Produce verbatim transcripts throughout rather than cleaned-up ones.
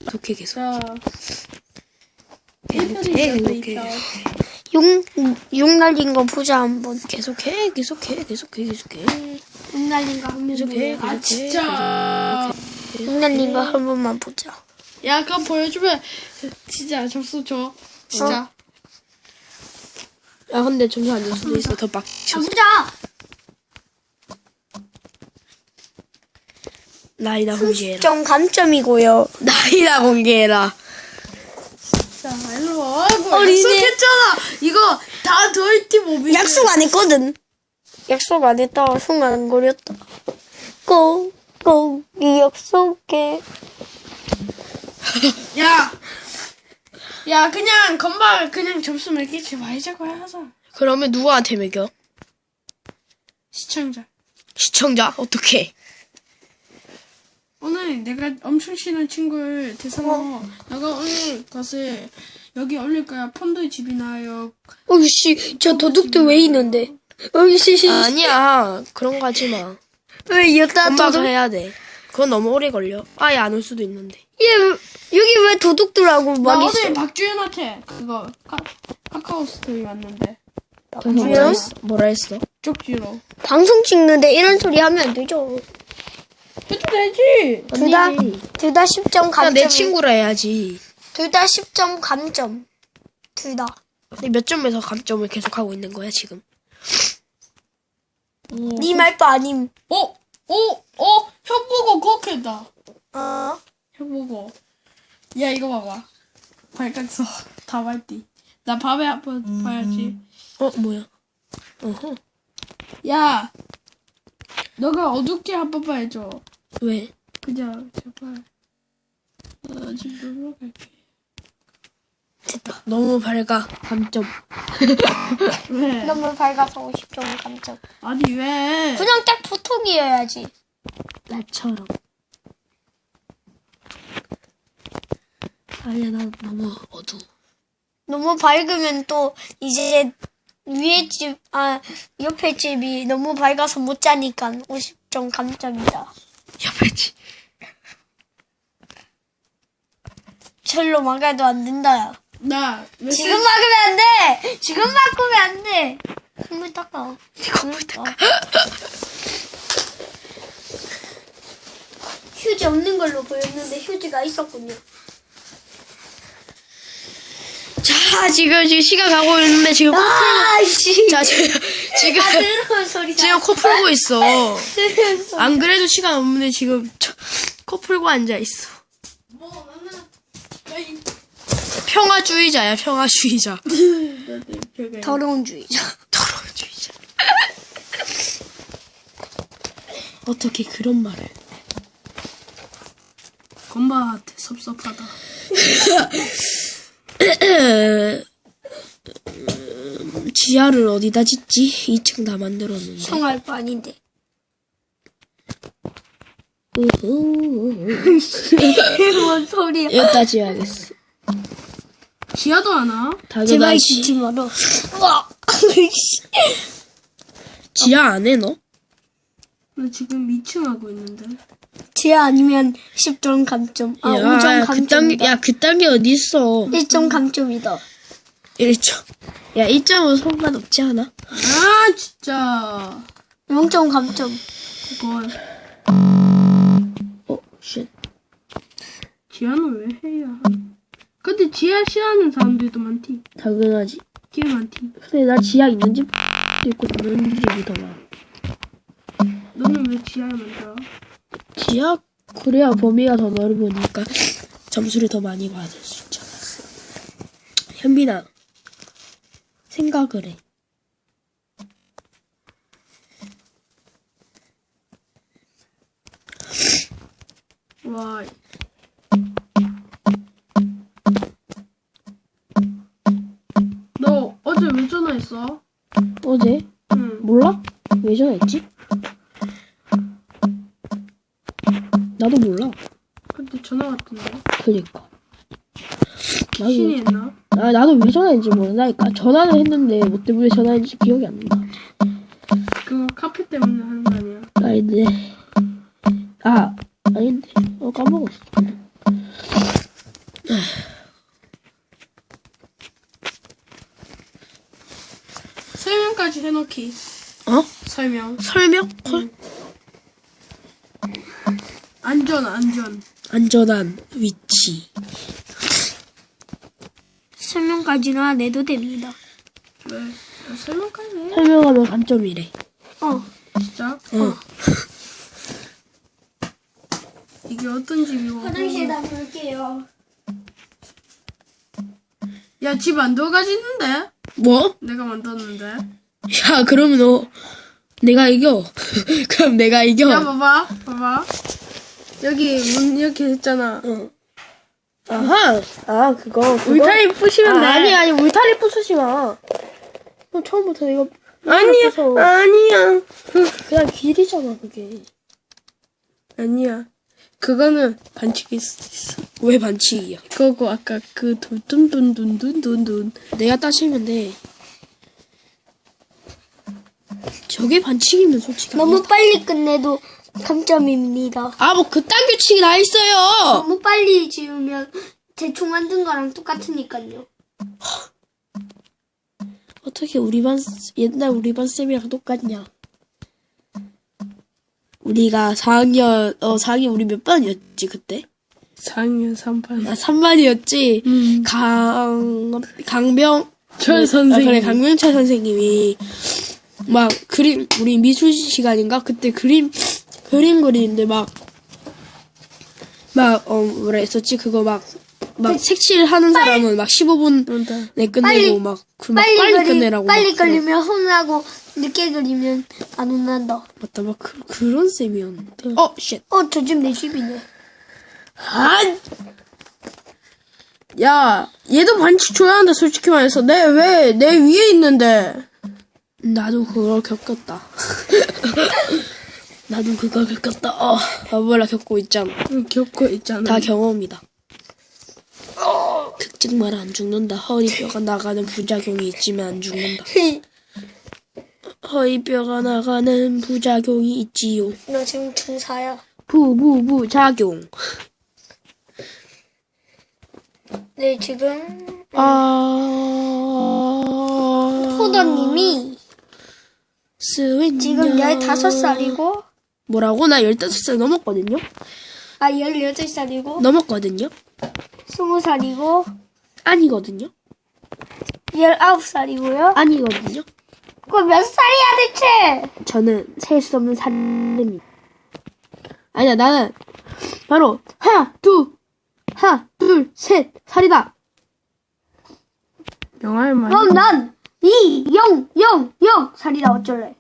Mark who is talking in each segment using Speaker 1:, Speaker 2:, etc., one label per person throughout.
Speaker 1: 계속해 계속.
Speaker 2: 자,
Speaker 1: 계속해 계속해.
Speaker 3: 용, 용 날린 거 보자, 한번.
Speaker 1: 계속해 계속해 계속해 계속해.
Speaker 3: 용 날린 거 한 번
Speaker 1: 계속해
Speaker 3: 보자.
Speaker 2: 아,
Speaker 1: 계속해.
Speaker 2: 진짜.
Speaker 3: 용 날린 거 한 번만 보자.
Speaker 2: 야, 그럼 보여주면 진짜 접수 줘. 진짜.
Speaker 1: 야 근데 점수 안 줄 수도 있어. 더 빡.
Speaker 3: 아, 보자!
Speaker 1: 나이나 공개해라.
Speaker 3: 점 감점이고요.
Speaker 1: 나이나 공개해라.
Speaker 2: 자, 일로 와. 아이고,
Speaker 3: 어린이.
Speaker 2: 약속했잖아. 이거 다 더이티 모비.
Speaker 3: 약속 안 했거든. 약속 안 했다가 순간 거렸다. 꼭, 꼭, 이 약속해.
Speaker 2: 야, 야, 그냥 건방 그냥 점수 매기지 말자고 하자.
Speaker 1: 그러면 누구한테 매겨?
Speaker 2: 시청자.
Speaker 1: 시청자? 어떻게?
Speaker 2: 오늘 내가 엄청 친한 친구를 대상으로 내가 오늘 것을 여기 올릴 거야. 폰도의 집이나요.
Speaker 3: 어이씨, 저 도둑들 왜 있는데? 어이씨,
Speaker 1: 아니야. 그런 거 하지 마.
Speaker 3: 왜 여자
Speaker 1: 엄마가
Speaker 3: 도둑?
Speaker 1: 해야 돼. 그건 너무 오래 걸려. 아예 안 올 수도 있는데.
Speaker 3: 얘, 여기 왜 도둑들하고
Speaker 2: 나
Speaker 3: 막
Speaker 2: 어제
Speaker 3: 있어?
Speaker 2: 박주연한테 그거 카, 카카오 스토리 왔는데
Speaker 1: 그래서 뭐라 했어? 뭐라 했어?
Speaker 2: 쪽지로.
Speaker 3: 방송 찍는데 이런 소리 하면 안 되죠.
Speaker 2: 해도 되지.
Speaker 3: 둘 다,
Speaker 1: 언니.
Speaker 3: 둘 다 십 점
Speaker 1: 그냥
Speaker 3: 감점.
Speaker 1: 내 친구라 해야지.
Speaker 3: 둘 다 십 점 감점. 둘 다.
Speaker 1: 근데 몇 점에서 감점을 계속 하고 있는 거야 지금?
Speaker 3: 네 말도 아님.
Speaker 2: 어, 어, 어, 형 보고 그렇게다.
Speaker 3: 어?
Speaker 2: 형 보고. 야 이거 봐봐. 발각서 다 말띠. 나 밤에 한번 봐야지.
Speaker 1: 어 뭐야? 어허.
Speaker 2: 야, 너가 어둡게 한번 봐야죠.
Speaker 1: 왜?
Speaker 2: 그냥 제발. 나 지금 놀러 갈게.
Speaker 1: 너무 밝아. 감점.
Speaker 2: 왜?
Speaker 3: 너무 밝아서 오십 점 감점.
Speaker 2: 아니 왜?
Speaker 3: 그냥 딱 보통이어야지.
Speaker 1: 나처럼. 아니야 나 너무 어두워.
Speaker 3: 너무 밝으면 또 이제 위에 집, 아, 옆에 집이 너무 밝아서 못 자니까 오십 점 감점이다.
Speaker 1: 옆에지.
Speaker 3: 절로 막아도 안 된다.
Speaker 2: 나 메시지.
Speaker 3: 지금 막으면 안 돼! 지금 막으면 안 돼! 콧물 닦아. 콧물 닦아. 휴지 없는 걸로 보였는데 휴지가 있었군요.
Speaker 1: 자 지금 지금 시간 가고 있는데 지금
Speaker 3: 아이씨!
Speaker 1: 자 지금 지금
Speaker 3: 아, 들어온 소리다.
Speaker 1: 지금 코 풀고 있어.
Speaker 3: 들어온 소리.
Speaker 1: 안 그래도 시간 없는데 지금 저- 코 풀고 앉아 있어.
Speaker 2: 뭐 나는 야, 이-
Speaker 1: 평화주의자야 평화주의자.
Speaker 3: 더러운 주의자.
Speaker 1: 더러운주의자. 어떻게 그런 말을?
Speaker 2: 건바한테 섭섭하다.
Speaker 1: 음, 지하를 어디다 짓지? 이 층 다 만들었는데.
Speaker 3: 형할 거 아닌데.
Speaker 1: 우후.
Speaker 3: 뭔 소리야.
Speaker 1: 여기다 지어야겠어.
Speaker 2: 지하도 하나?
Speaker 3: 제발
Speaker 1: 당연하지.
Speaker 3: 짓지 마라. 우와.
Speaker 1: 지하 안 해 너?
Speaker 2: 나 지금 이 층 하고 있는데.
Speaker 3: 지하 아니면 십 점 감점. 아, 오 점
Speaker 1: 야, 그딴
Speaker 3: 감점이다.
Speaker 1: 게, 야, 그딴 게 어딨어.
Speaker 3: 일 점 감점이다.
Speaker 1: 일 점. 야, 일 점은 상관없지 않아?
Speaker 2: 아 진짜.
Speaker 3: 영 점 감점.
Speaker 2: 그걸
Speaker 1: 어, 쉣.
Speaker 2: 지하는 왜 해야? 근데 지하 싫어하는 사람들도 많디.
Speaker 1: 당연하지.
Speaker 2: 꽤 많디.
Speaker 1: 근데 나 지하 있는 집도 있고, 없는 집이 더 많아.
Speaker 2: 너는 왜 지하에 만들어?
Speaker 1: 지하? 그래야 범위가 더 넓으니까 점수를 더 많이 받을 수 있잖아. 현빈아, 생각을 해.
Speaker 2: 와. 너 어제 왜 전화했어?
Speaker 1: 어제?
Speaker 2: 응.
Speaker 1: 몰라? 왜 전화했지? 나도 몰라.
Speaker 2: 근데 전화 왔던데.
Speaker 1: 그니까. 나도,
Speaker 2: 신이 했나?
Speaker 1: 아, 나도 왜 전화했는지 모른다니까. 전화는 했는데, 뭐 때문에 전화했는지 기억이 안 나.
Speaker 2: 그거 카페 때문에 하는 거 아니야?
Speaker 1: 아닌데. 아, 아닌데. 어, 까먹었어.
Speaker 2: 설명까지 해놓기.
Speaker 1: 어?
Speaker 2: 설명.
Speaker 1: 설명? 콜?
Speaker 2: 안전, 안전.
Speaker 1: 안전한 위치.
Speaker 3: 설명까지는 안 해도 됩니다.
Speaker 2: 왜? 아, 설명까지 해.
Speaker 1: 설명하면 감점이래.
Speaker 3: 어.
Speaker 2: 진짜?
Speaker 1: 어.
Speaker 2: 이게 어떤 집이고.
Speaker 3: 화장실에다 볼게요.
Speaker 2: 야, 집 안 들어가지는데?
Speaker 1: 뭐?
Speaker 2: 내가 만들었는데.
Speaker 1: 야, 그러면 너, 내가 이겨. 그럼 내가 이겨.
Speaker 2: 야, 봐봐. 봐봐. 여기 문 이렇게 했잖아.
Speaker 1: 어. 아하. 아, 그거. 그거?
Speaker 2: 울타리 부시면 돼.
Speaker 1: 아, 아니, 아니, 울타리 부수지 마. 그럼 처음부터 내가.
Speaker 2: 아니야.
Speaker 1: 부숴.
Speaker 2: 아니야.
Speaker 1: 그냥 길이잖아, 그게.
Speaker 2: 아니야. 그거는 반칙일 수도 있어.
Speaker 1: 왜 반칙이야?
Speaker 2: 그거고 아까 그 둔둔둔둔둔둔둔.
Speaker 1: 내가 따지면 돼. 저게 반칙이면 솔직히.
Speaker 3: 너무
Speaker 1: 아니야.
Speaker 3: 빨리 끝내도 감점입니다.
Speaker 1: 아, 뭐, 그딴 규칙이 다 있어요!
Speaker 3: 너무 빨리 지으면 대충 만든 거랑 똑같으니까요.
Speaker 1: 어떻게 우리 반, 옛날 우리 반 쌤이랑 똑같냐? 우리가 사 학년, 어, 사 학년 우리 몇 반이었지, 그때?
Speaker 2: 사 학년 삼 반.
Speaker 1: 아, 삼 반이었지?
Speaker 2: 음.
Speaker 1: 강, 강병,
Speaker 2: 철
Speaker 1: 아,
Speaker 2: 선생님.
Speaker 1: 그래, 강명철 선생님이, 막, 그림, 우리 미술 시간인가? 그때 그림, 그림 그리는데 막, 막, 어, 뭐라 했었지? 그거 막, 막 색칠 하는 사람은 막 십오 분에 끝내고
Speaker 3: 빨리,
Speaker 1: 막, 그 막
Speaker 3: 빨리,
Speaker 1: 빨리,
Speaker 3: 그리,
Speaker 1: 끝내라고.
Speaker 3: 빨리
Speaker 1: 막 그래.
Speaker 3: 그리면 혼나고 늦게 그리면 안 혼난다.
Speaker 1: 맞다, 막 그, 그런 쌤이었는데. 어, 쉣.
Speaker 3: 어, 저 집 내 집이네.
Speaker 2: 아! 야, 얘도 반칙 줘야 한다, 솔직히 말해서. 내, 왜, 내 위에 있는데.
Speaker 1: 나도 그걸 겪었다. 나도 그걸 겪었다. 어, 바보라 겪고 있잖아.
Speaker 2: 응, 겪고 있잖아.
Speaker 1: 다 경험이다. 특징만 안 죽는다. 허리뼈가 나가는 부작용이 있지만 안 죽는다. 허리뼈가 나가는 부작용이 있지요.
Speaker 3: 너 지금 중사야.
Speaker 1: 부부부작용.
Speaker 3: 네, 지금
Speaker 1: 아...
Speaker 3: 포도님이
Speaker 1: 스윗
Speaker 3: 지금 열다섯 살이고,
Speaker 1: 뭐라고? 나 열다섯 살 넘었거든요?
Speaker 3: 아, 열여덟 살이고,
Speaker 1: 넘었거든요?
Speaker 3: 스무 살이고,
Speaker 1: 아니거든요?
Speaker 3: 열아홉 살이고요.
Speaker 1: 아니거든요?
Speaker 3: 그거 몇 살이야, 대체?
Speaker 1: 저는 셀 수 없는 살림입니다. 아니야, 나는 바로 하나, 둘, 하나, 둘, 셋, 살이다.
Speaker 2: 영화를 많이.
Speaker 3: 그럼 난 이, 영, 영, 영 살이다, 어쩔래?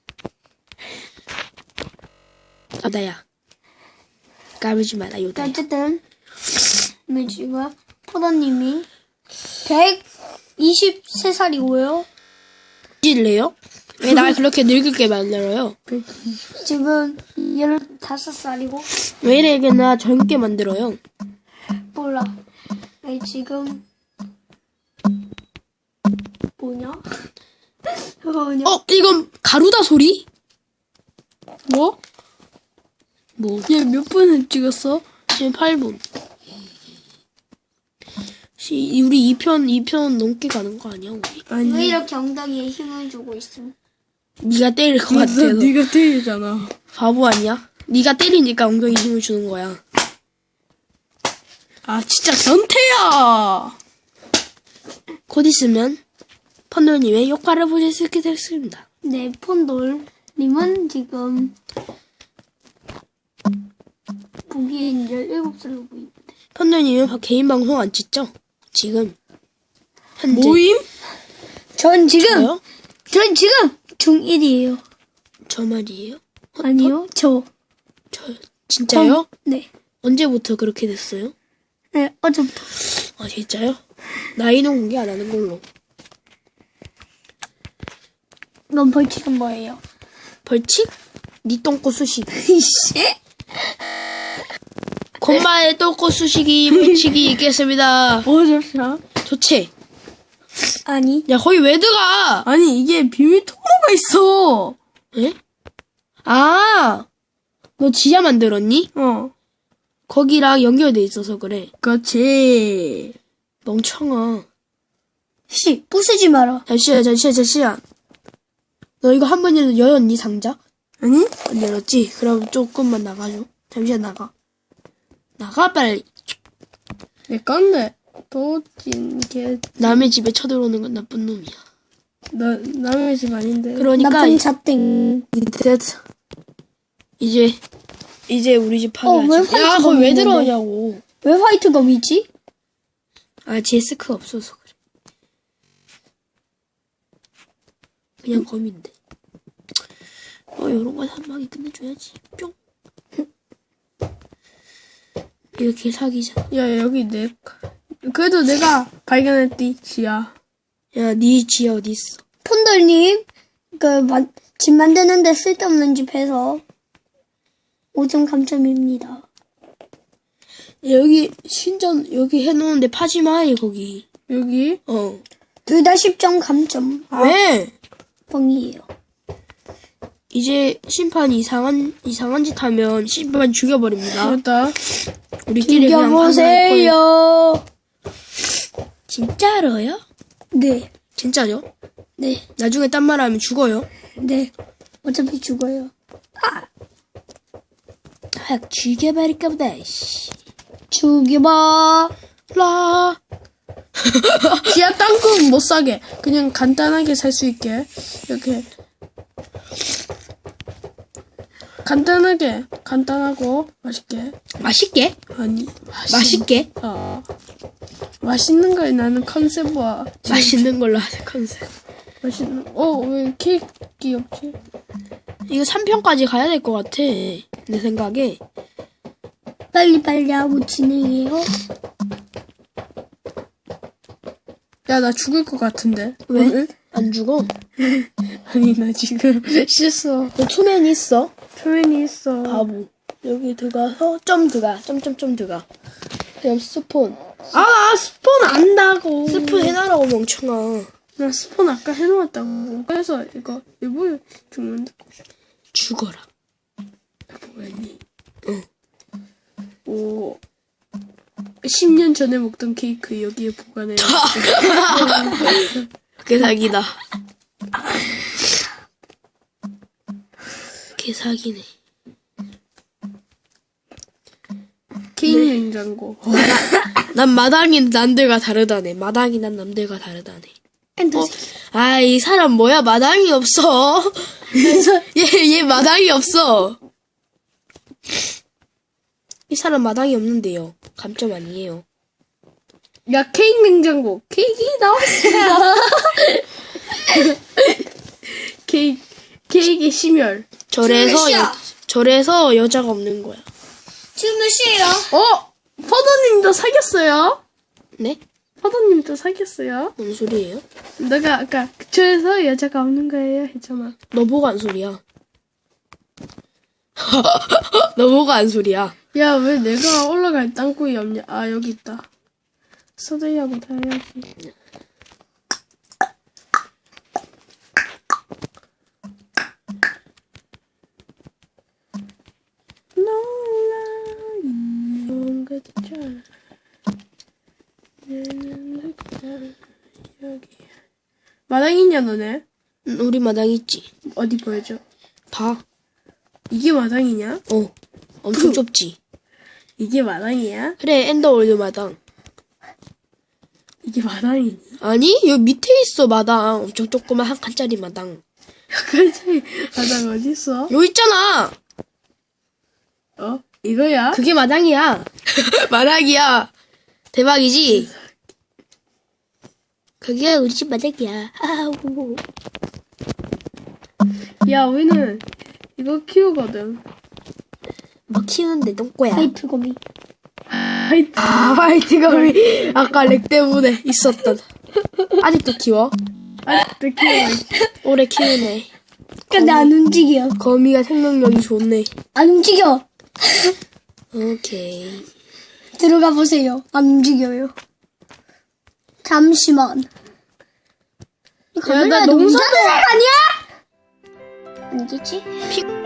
Speaker 1: 요다야. 까불지 마라, 요다야.
Speaker 3: 어쨌든, 네, 지금 포도님이 백이십세 살이고요.
Speaker 1: 찔래요? 왜 날 그렇게 늙게 만들어요?
Speaker 3: 지금 열다섯 살이고,
Speaker 1: 왜 이렇게 나 젊게 만들어요?
Speaker 3: 몰라. 네, 지금 뭐냐? 뭐냐?
Speaker 1: 어, 이건 가루다 소리?
Speaker 2: 뭐?
Speaker 1: 뭐,
Speaker 2: 얘 몇 분을 찍었어?
Speaker 1: 지금 팔 분. 시, 우리 이 편, 이 편 넘게 가는 거 아니야, 우리?
Speaker 3: 왜
Speaker 2: 아니.
Speaker 3: 이렇게 엉덩이에 힘을 주고 있음?
Speaker 1: 네가 때릴 것
Speaker 2: 맞아,
Speaker 1: 같아서.
Speaker 2: 네가 때리잖아.
Speaker 1: 바보 아니야? 네가 때리니까 엉덩이 힘을 주는 거야.
Speaker 2: 아, 진짜 변태야!
Speaker 1: 곧 있으면 펀더님의 효과를 보실 수 있게 됐습니다.
Speaker 3: 네, 폰돌님은 지금 보기엔 열일곱 살로 보이는데.
Speaker 1: 펀더님은 개인 방송 안 찍죠? 지금 현재
Speaker 2: 모임?
Speaker 3: 전 지금,
Speaker 1: 저요?
Speaker 3: 전 지금 중일이에요.
Speaker 1: 저 말이에요?
Speaker 3: 아니요, 저.
Speaker 1: 저 진짜요?
Speaker 3: 네.
Speaker 1: 언제부터 그렇게 됐어요?
Speaker 3: 네, 어제부터.
Speaker 1: 아 진짜요? 나이는 공개 안 하는 걸로.
Speaker 3: 넌 벌칙은 뭐예요?
Speaker 1: 벌칙? 니 똥꼬 수시기.
Speaker 3: 이씨.
Speaker 1: 건마의 똥꼬 수시기 벌칙이 있겠습니다.
Speaker 2: 뭐, 잠시만.
Speaker 1: 좋지?
Speaker 3: 아니.
Speaker 1: 야 거기 왜 들어가?
Speaker 2: 아니, 이게 비밀 통로가 있어!
Speaker 1: 에? 아, 너 지하 만들었니?
Speaker 2: 어.
Speaker 1: 거기랑 연결돼 있어서 그래.
Speaker 2: 그렇지.
Speaker 1: 멍청아.
Speaker 3: 씨, 부수지 마라.
Speaker 1: 잠시만, 잠시만, 잠시만. 너 이거 한 번이라도 열었니, 상자?
Speaker 2: 아니?
Speaker 1: 안 열었지? 그럼 조금만 나가줘. 잠시만 나가. 나가, 빨리.
Speaker 2: 내 건데. 도찐 개.
Speaker 1: 남의 집에 쳐들어오는 건 나쁜 놈이야.
Speaker 2: 나 남의 집 아닌데.
Speaker 1: 그러니까,
Speaker 3: 나쁜 자땡.
Speaker 1: 됐어. 이제, 이제 우리 집
Speaker 3: 어, 왜
Speaker 1: 파괴하지. 야,
Speaker 3: 화이트가
Speaker 1: 거기 왜
Speaker 3: 있는데?
Speaker 1: 들어오냐고.
Speaker 3: 왜 화이트 검이지?
Speaker 1: 아, 제스크 없어서 그래. 그냥 검인데. 어, 요런 건 한 방에 끝내줘야지. 뿅. 이렇게 사기잖아.
Speaker 2: 야, 여기 내, 그래도 내가 발견했디, 지야.
Speaker 1: 야, 니 지하 어디 있어?
Speaker 3: 폰돌님, 그, 마, 집 만드는데 쓸데없는 집 해서 오 점 감점입니다.
Speaker 1: 여기, 신전, 여기 해놓은데 파지 마, 이 거기.
Speaker 2: 여기?
Speaker 1: 어.
Speaker 3: 둘 다 십 점 감점.
Speaker 1: 왜?
Speaker 3: 뻥이에요.
Speaker 1: 이제 심판 이상한, 이상한 짓 하면 심판 죽여버립니다.
Speaker 2: 맞다.
Speaker 1: 우리끼리 그냥 판단할 거예요.
Speaker 3: 죽여보세요.
Speaker 1: 진짜로요?
Speaker 3: 네,
Speaker 1: 진짜죠?
Speaker 3: 네,
Speaker 1: 나중에 딴 말 하면 죽어요.
Speaker 3: 네. 어차피 죽어요.
Speaker 1: 확 죽여버릴까 보다, 씨.
Speaker 3: 죽여봐.
Speaker 1: 라.
Speaker 2: 지하 땅콩 못 사게. 그냥 간단하게 살 수 있게. 이렇게. 간단하게. 간단하고, 맛있게.
Speaker 1: 맛있게?
Speaker 2: 아니,
Speaker 1: 맛있게?
Speaker 2: 어. 맛있는 거에 나는 컨셉과.
Speaker 1: 맛있는 걸로 하는 컨셉.
Speaker 2: 맛있는, 어, 왜 케이크 없지?
Speaker 1: 이거 삼 편까지 가야 될 것 같아. 내 생각에.
Speaker 3: 빨리빨리 하고 진행해요.
Speaker 2: 야, 나 죽을 것 같은데.
Speaker 1: 왜?
Speaker 2: 오늘?
Speaker 1: 안 죽어?
Speaker 2: 아니, 나 지금 실수.
Speaker 1: 너 투맨 있어?
Speaker 2: 표현이 있어.
Speaker 1: 바보. 여기 들어가서 점 들어가. 점점점 들어가. 그럼 스폰.
Speaker 2: 아, 나 스폰 안다고.
Speaker 1: 스폰 해놔라고 멍청아.
Speaker 2: 나 스폰 아까 해놓았다고. 그래서 이거 일부러 죽는다.
Speaker 1: 죽어라.
Speaker 2: 뭐였니?
Speaker 1: 응.
Speaker 2: 오. 십 년 전에 먹던 케이크 여기에 보관해.
Speaker 1: 그게 사기다. 그게 사기네.
Speaker 2: 케이크 냉장고.
Speaker 1: 난 마당이 남들과 다르다네. 마당이 난 남들과 다르다네.
Speaker 3: 엔더.
Speaker 1: 어? 아, 이 사람 뭐야? 마당이 없어. 얘, 얘 마당이 없어. 이 사람 마당이 없는데요. 감점 아니에요.
Speaker 2: 야, 케이크 냉장고. 케이크 나왔어. 케이크, 케이크의 심혈.
Speaker 1: 절에서,
Speaker 3: 지금 몇
Speaker 1: 여,
Speaker 3: 시야?
Speaker 1: 절에서 여자가 없는 거야.
Speaker 3: 지금 몇 시에요?
Speaker 2: 어! 퍼더님도 사귀었어요?
Speaker 1: 네?
Speaker 2: 퍼더님도 사귀었어요?
Speaker 1: 뭔 소리예요?
Speaker 2: 내가 아까 그쪽에서 여자가 없는 거예요 했잖아.
Speaker 1: 너 보고 한 소리야. 너 보고 한 소리야.
Speaker 2: 야, 왜 내가 올라갈 땅굴이 없냐? 아, 여기 있다. 서대이하고 다 해야지. 놀라, 이런 것들. 얘는 흙장, 여기. 마당 있냐, 너네?
Speaker 1: 응, 우리 마당 있지.
Speaker 2: 어디 보여줘?
Speaker 1: 봐.
Speaker 2: 이게 마당이냐?
Speaker 1: 어. 엄청 좁지.
Speaker 2: 이게 마당이야?
Speaker 1: 그래, 엔더월드 마당.
Speaker 2: 이게 마당이니?
Speaker 1: 아니, 여기 밑에 있어, 마당. 엄청 조그만 한 칸짜리 마당.
Speaker 2: 그치? 마당 어딨어?
Speaker 1: 여기 있잖아!
Speaker 2: 어? 이거야?
Speaker 1: 그게 마당이야. 마당이야. 대박이지? 그게 우리 집 마당이야. 아우.
Speaker 2: 야, 우리는 이거 키우거든.
Speaker 1: 뭐 키우는데 똥꼬야.
Speaker 3: 화이트 검이.
Speaker 2: 하이트.
Speaker 1: 아, 화이트감이 아까 렉 때문에 있었던. 아직도 키워?
Speaker 2: 아직도 키우고.
Speaker 1: 오래 키우네.
Speaker 3: 근데 안 움직여.
Speaker 1: 거미가 생명력이 좋네.
Speaker 3: 안 움직여.
Speaker 1: 오케이.
Speaker 3: 들어가 보세요. 안 움직여요. 잠시만. 이거
Speaker 2: 야, 나
Speaker 3: 카메라에
Speaker 2: 농사
Speaker 3: 농사색 아니야? 아니겠지?
Speaker 1: 피,